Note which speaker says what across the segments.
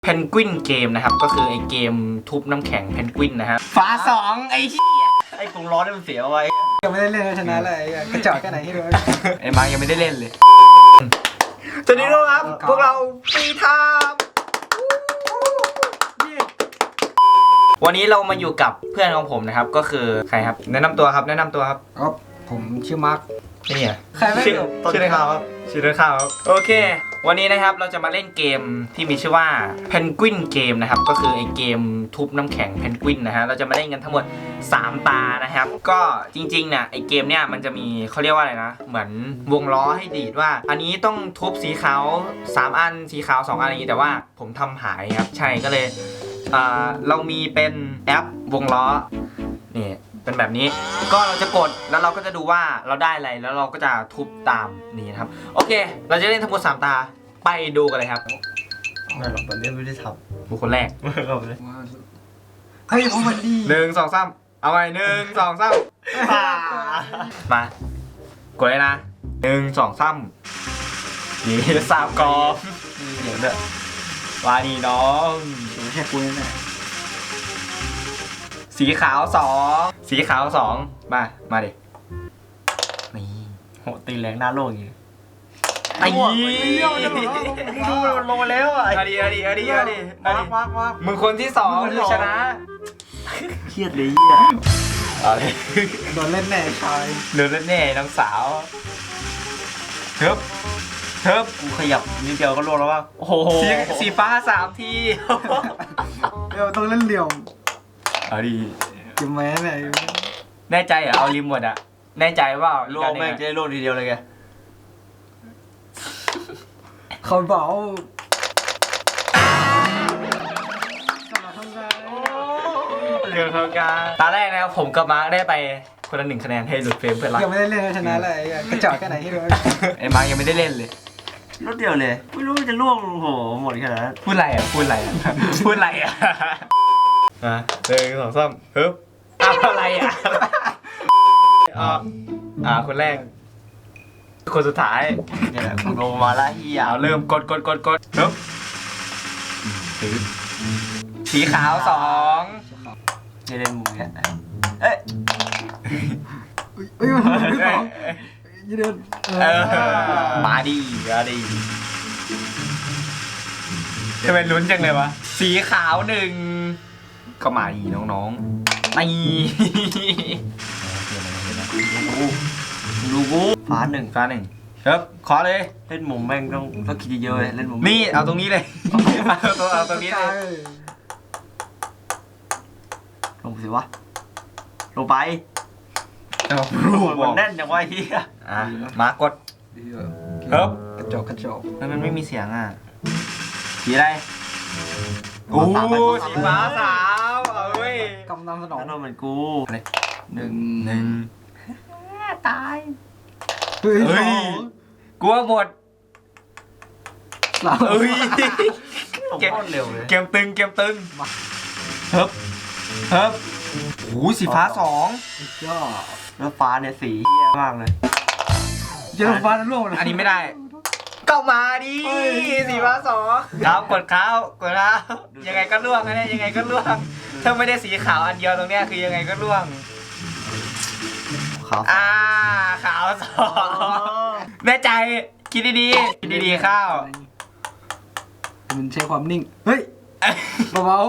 Speaker 1: เพนกวินเกมนะครับก็คือไอเกมทุบน้ำแข็งเพนกวินนะฮะฟ้าสองไอ้เหี้ยไอ้กรงล้อนี่มันเสียเอาไว้
Speaker 2: ยังไม่ได้เล่นชนะเลยกระจอกแค่ไหนให้ดู
Speaker 1: ไอ้มายังไม่ได้เล่นเลยสวัสดีทุกครับพวกเราปีทามวันนี้เรามาอยู่กับเพื่อนของผมนะครับก็คือใครครับแนะนำตัวครับ
Speaker 2: ครับผมชื่อมาร์ค
Speaker 1: นี่อ่ะ
Speaker 2: ใครไม่รู้
Speaker 1: ชื่อในข่าวครับชื่อในข่าวครับโอเควันนี้นะครับเราจะมาเล่นเกมที่มีชื่อว่าเพนกวินเกมนะครับก็คือไอเกมทุบน้ำแข็งเพนกวินนะฮะเราจะมาเล่นกันทั้งหมด3ตานะครับก็จริงๆเนี่ยไอเกมเนี่ยมันจะมีเขาเรียกว่าอะไรนะเหมือนวงล้อให้ดีดว่าอันนี้ต้องทุบสีขาว3อันสีขาว2อันอย่างนี้แต่ว่าผมทำหายครับใช่ก็เลยเรามีเป็นแอปวงล้อนี่เป็นแบบนี้ก็เราจะกดแล้วเราก็จะดูว่าเราได้อะไรแล้วเราก็จะทุบตามนี่นะครับโอเคเราจะเล่นทั้งหมด3ตาไปดูกันเลยครับ
Speaker 3: ไม่หรอกตอนนี้ไม่ได้ทำ
Speaker 1: บุคคลแรก
Speaker 2: เฮ้ยโอ้มันดี
Speaker 1: 1 2 3เอาไป1 2 3มากดเลยนะ1 2 3นี่3กองเดี๋ยวเด้อวานี่น้อง
Speaker 2: แค่กูนี่แหละ
Speaker 1: สีขาว2มาดินี่
Speaker 3: โหตีแรงหน้าโลกอย่างนี้
Speaker 1: ไอ้
Speaker 3: ดูมันลงมาแล้วอ่ะ
Speaker 1: เอาดิมึงคนที่2คือชนะ
Speaker 3: เครียดเลยเหี้ย
Speaker 2: โดนเล่นแน่ชาย
Speaker 1: โดนเล่นแน่น้องสาวเทิบ
Speaker 3: กูขยับนิดเดียวก็ลงแล้วว่า
Speaker 1: โอ้โหสีฟ้า3ที
Speaker 2: เดี๋ยวต้องเล่นเหลี่ยม
Speaker 1: เอาดิ
Speaker 2: จิ้มแม่เนี่ย
Speaker 1: แน่ใจเหรอเอาริมหมดอะแน่ใจว่า
Speaker 3: ลงแม่งจะได้ลงทีเดียวเลยแก
Speaker 2: เขาบอก
Speaker 1: เรื่องของการตาแรกนะครับผมกับมาร์คได้ไปคนละ1 คะแนนให้หลุดเฟรมเพื่อนรัก
Speaker 2: ยังไม่ได้เล่นชนะเลยกระจอกแค่ไหนให้ดู
Speaker 1: ไอ้มาร์คยังไม่ได้เล่นเลย
Speaker 3: รถเดียวเลยไม่รู้จะล่วงโหหมดขนาดนั้น
Speaker 1: พูดอะไรอ่ะ1 2 3ฮึบอะไรอ่ะคนแรกคนสุดท้าย
Speaker 3: เนี่ยแหละคุณลงมาละเฮีย
Speaker 1: เริ่มกดฮึบสีขาว2
Speaker 3: จะเล่นมุมเนี่ยเอ๊ะ
Speaker 2: มัน2ยืน
Speaker 1: มาดีจะเป็นลุ้นจังเลยวะสีขาว1ก็มาดีน้องๆนี่
Speaker 3: ดูกูฟ้า1
Speaker 1: ครับขอเลย
Speaker 3: เล่นมุมแม่งต้องคิดเยอะเลยเล่นมุม
Speaker 1: นี่เอาตรงนี้เลยเอาตรงนี้เลย
Speaker 3: ลงสิวะลงไปมันแน่นจังวะเฮีย
Speaker 1: มากดครับ
Speaker 2: กระจก
Speaker 1: มันไม่มีเสียงอ่ะสีอะไรโอ้สีฟ้า3เอ้ย
Speaker 2: กำลังสนอง
Speaker 3: นั่นเหมือนกู
Speaker 1: 1
Speaker 3: ตาย
Speaker 1: เฮ้ยกลัวหมดเฮ้ย
Speaker 3: เกมเร็วเลย
Speaker 1: เกมตึงเฮ้บโอ้สีฟ้า2
Speaker 2: ย่อ
Speaker 3: แล้วฟ้าเนี่ยสีเหี้ยมากเลย
Speaker 2: เจอฟ้าแล้วร่วง
Speaker 1: อันนี้ไม่ได้ก็มาดิสีฟ้า2ครับกดขาวยังไงก็ล่วงนะยังไงก็ล่วงถ้าไม่ได้สีขาวอันเดียวตรงเนี้ยคือยังไงก็ล่วงขาว2แน่ใจคิดดีข้าว
Speaker 2: มันใช้ความนิ่งเฮ้ยเบา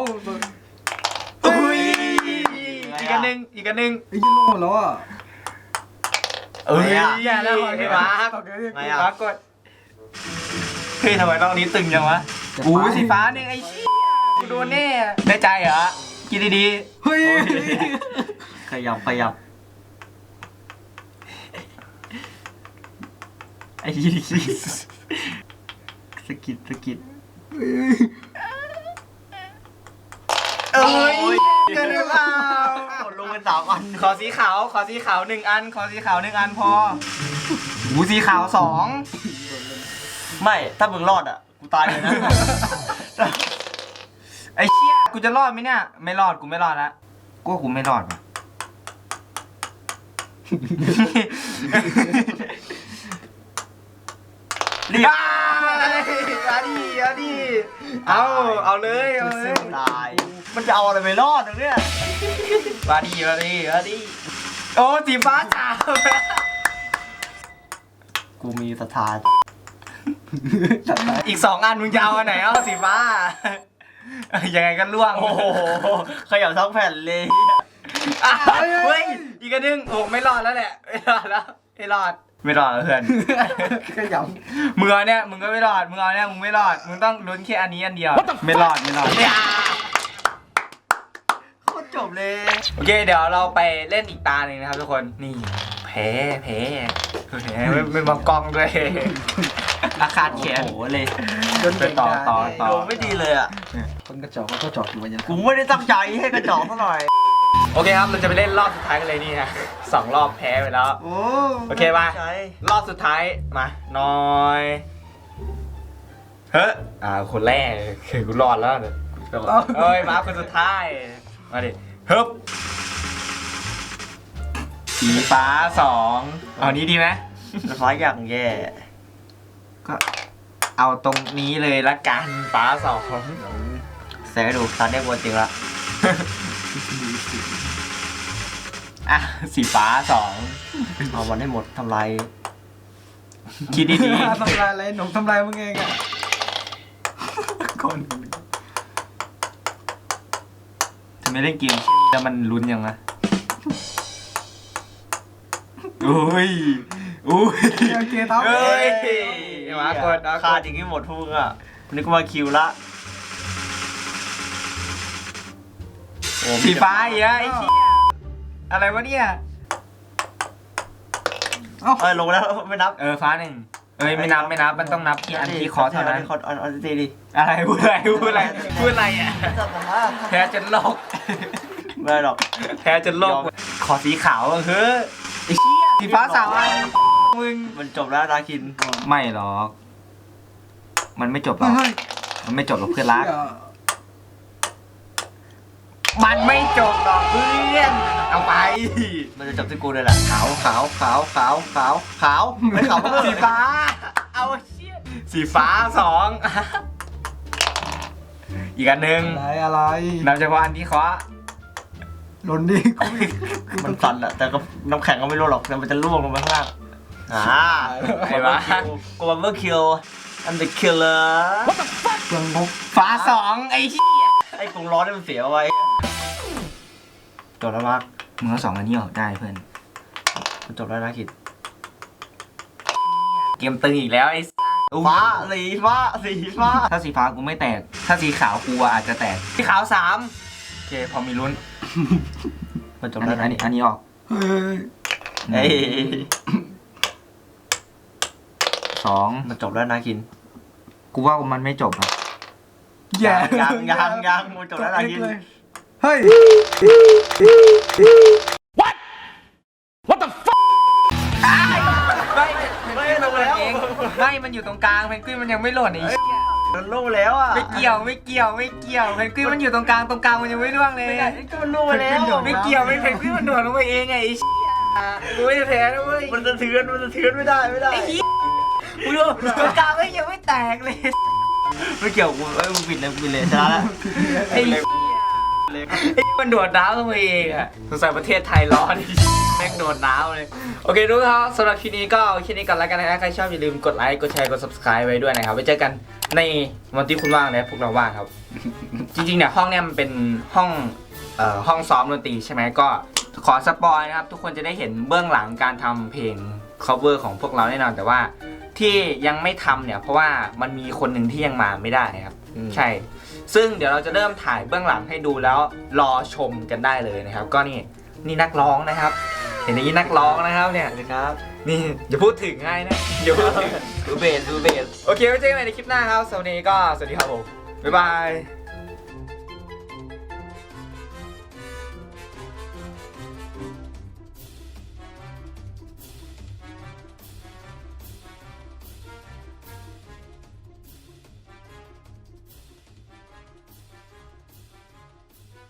Speaker 1: อีกอันหนึ่ง
Speaker 2: ยืนลงหมดแล้วอ่ะ
Speaker 1: อย่าแล้วพี่มาร์คกดเฮ้ยทำไมต้องนี้ตึงจังวะสีฟ้า1ไอ้ชี้กูโดนแน่แน่ใจเหรอคิดดี
Speaker 2: เฮ้ย
Speaker 3: ขยับไอ้ยี่สกิด
Speaker 1: เกินหรือเปล่า
Speaker 3: ลงเป็น3 อัน
Speaker 1: ขอสีขาว1 อันพอสีขาว2
Speaker 3: ไม่ถ้ามึงรอดอ่ะกูตายเลยนะ
Speaker 1: ไอ้เชี่ยกูจะรอดไหมเนี่ยไม่รอดกูไม่รอดแล้วกูไม่รอด
Speaker 3: เรียบ
Speaker 1: มาดิเอาเลยเอาเลย
Speaker 3: ตายมันจะเอาอะไรไปรอดตรงเนี้ย
Speaker 1: มาดิโอ้สีฟ้าสาม
Speaker 3: กูมีศรัทธา
Speaker 1: อีก2 อันมึงจะเอาอันไหนเอาสีฟ้ายังไงก็ล่วง
Speaker 3: โอ้โหขยับทั้งแผ่นเลย
Speaker 1: อ่ะเฮ้ยอีกอันนึงโอ้ไม่รอดแล้วแหละไม่รอดแล้วเพื่อน
Speaker 2: ขย
Speaker 1: มึงเอาเนี่ยมึงก็ไม่รอดมึงเอาเนี่ยมึงไม่รอดมึงต้องลุ้นแค่อันนี้อันเดียวไม่รอดเนี่ย
Speaker 3: โคตรจบเลย
Speaker 1: โอเคเดี๋ยวเราไปเล่นอีกตาหนึ่งนะครับทุกคนนี่แพ้ไม่มองกล้องด้วยอาคาดแขน
Speaker 3: โอ้โหเลย
Speaker 2: ำ
Speaker 1: ไปต่อ
Speaker 3: โดนไม่ดีเลยอ่ะ
Speaker 2: คนกระจอกเขาก็จอกอยู่วันยัน
Speaker 3: กูไม่ได้ตั้งใจให้กระจอกซะหน่อย
Speaker 1: โอเคครับเราจะไปเล่นรอบสุดท้ายกันเลยนี่ฮะ2 รอบแพ้ไปแล้ว
Speaker 3: โอ้
Speaker 1: โอเคป่ะ
Speaker 3: ใจ
Speaker 1: รอบสุดท้ายมาน้อยเฮ้ยคนแรกคือกูรอดแล้วเนี่ยเอ้ยมาคนสุดท้ายมาดิฮึบสีฟ้า2เอานี้ดีไหม
Speaker 3: ฟ้าอย่างแย่
Speaker 1: ก็เอาตรงนี้เลยละกันฟ้า2
Speaker 3: แสงให้ดูตอนนี้วนจริงละ
Speaker 1: อ่ะสีฟ้า
Speaker 3: เอามันให้หมดทำลาย
Speaker 1: 2คิดดี
Speaker 2: ทำลายอะไรหนุ่มทำลายมึงเองอ่ะคน
Speaker 1: ๆทำไมเล่นเกมแล้วมันลุ้นยังนะอุ้ย
Speaker 2: โอเคท็อป
Speaker 1: เฮ้ยมากด
Speaker 3: ขาดอย่างนี้หมดทุกอ่ะนึกว่าคิวละโอ้
Speaker 1: สีฟ้าอีกแล้วไอ้เหี้ยอะไรวะเนี่ย
Speaker 3: เอ้ยลงแล้วไม่นับ
Speaker 1: ฟ้า1ไม่นับมันต้องนับที่อันที่คอเท่านั้น
Speaker 3: อันที่ดี
Speaker 1: อะไรพูดอะไรอ่ะแพ้จนโลก
Speaker 3: ไม่หรอก
Speaker 1: แพ้จนโลกขอสีขาวเฮ้ยไอ้เหี้ยสีฟ้า3 อันมึง
Speaker 3: มันจบแล้วนาคิน
Speaker 1: ไม่หรอกมันไม่จบหรอกมันไม่จบหรอกเพื่อนรักมันไม่จบหรอกเพื่อนเอาไป
Speaker 3: มันจะจบที่กูเลยแหละขาวไม่ขาว
Speaker 1: สีฟ้าเอาเชี่ยสีฟ้า2อีกอันหนึ่ง
Speaker 2: อะไร
Speaker 1: นับเฉพาะอันที่เคาะ
Speaker 2: หล่นดิ
Speaker 3: มันสั่นอะแต่ก็น้ำแข็งก็ไม่รู้หรอกแต่มันจะล่วงลงไปข้างล่างกูบัมเบอร์คิวอันเดอร์คิลเลอร์
Speaker 2: เปลืองงบ
Speaker 1: ฟ้า2ไอ้เหี้ย
Speaker 3: ไอ้กรงร้อนนี่มันเสียไว้จบแล้วมาก
Speaker 1: มึงเอา2 อันนี้ออกได้เพื่อน
Speaker 3: มันจบแล้วนะคิด
Speaker 1: เกมตึงอีกแล้วไอ้
Speaker 3: ฟ้าสีฟ้า
Speaker 1: ถ้าสีฟ้ากูไม่แตกถ้าสีขาวกูอาจจะแตกสีขาว3โอเคพอมีลุ้น
Speaker 3: มันจบ
Speaker 1: อัน
Speaker 3: แล้ว
Speaker 1: นี้อันนี้ออก
Speaker 2: เฮ้ย
Speaker 3: เอ้ย
Speaker 1: 2
Speaker 3: มันจบแล้วนะคิน
Speaker 1: กูว่ามันไม่จบอ่ะ
Speaker 2: แย่
Speaker 3: ยังมันจบแล้วนะคิน
Speaker 2: เฮ้ย
Speaker 1: ไม่ลงแล้วไม่มันอยู่ตรงกลางเพนกวินมันยังไม่หล่นไอ้เหี้ย
Speaker 3: มันล่วงแล้วอ่ะ
Speaker 1: ไม่เกี่ยวเพนกวินมันอยู่ตรงกลางมันยังไม่ร่วงเลย
Speaker 3: มันล่วงไปแล้ว
Speaker 1: ไม่เกี่ยวไม่เพนกวินมันโดดลงไปเองไงไอ้เหี้ยกูไม่ได้แพ้นะเว้ย
Speaker 3: มันจะเทือนไม่ได้
Speaker 1: ไอ้เหี้ยกูดูตรงกลางไม่ยังไม่แตกเลย
Speaker 3: ไม่เกี่ยวกูมึงปิดเลยชนะแล้ว
Speaker 1: ไอ้เหี้ยไอ้มันโดดน้ำลงไปเองอะสงสัยประเทศไทยร้อนแม่งโดดน้ำเลยโอเคทุกท่านสำหรับคลิปนี้ก็แค่นี้ก่อนแล้วกันนะครับใครชอบอย่าลืมกดไลค์กดแชร์กด subscribe ไว้ด้วยนะครับไว้เจอกันในวันที่คุณว่างนะพวกเราว่างครับ จริงๆเนี่ยห้องเนี่ยมันเป็นห้องซ้อมดนตรีใช่ไหมก็ขอสปอยนะครับทุกคนจะได้เห็นเบื้องหลังการทำเพลง cover ของพวกเราแน่นอนแต่ว่าที่ยังไม่ทำเนี่ยเพราะว่ามันมีคนหนึ่งที่ยังมาไม่ได้ครับใช่ซึ่งเดี๋ยวเราจะเริ่มถ่ายเบื้องหลังให้ดูแล้วรอชมกันได้เลยนะครับก็นี่นักร้องนะครับ เห็นอย่างนี้นักร้องนะครับเนี่ย
Speaker 3: นะครับ
Speaker 1: นี่อย่าพูดถึงง่ายนะอย่าพูดถึง
Speaker 3: ดูเบส
Speaker 1: โอเคไว้เจอกันใหม่ในคลิปหน้าครับสวัสดีครับผมบ๊ายบาย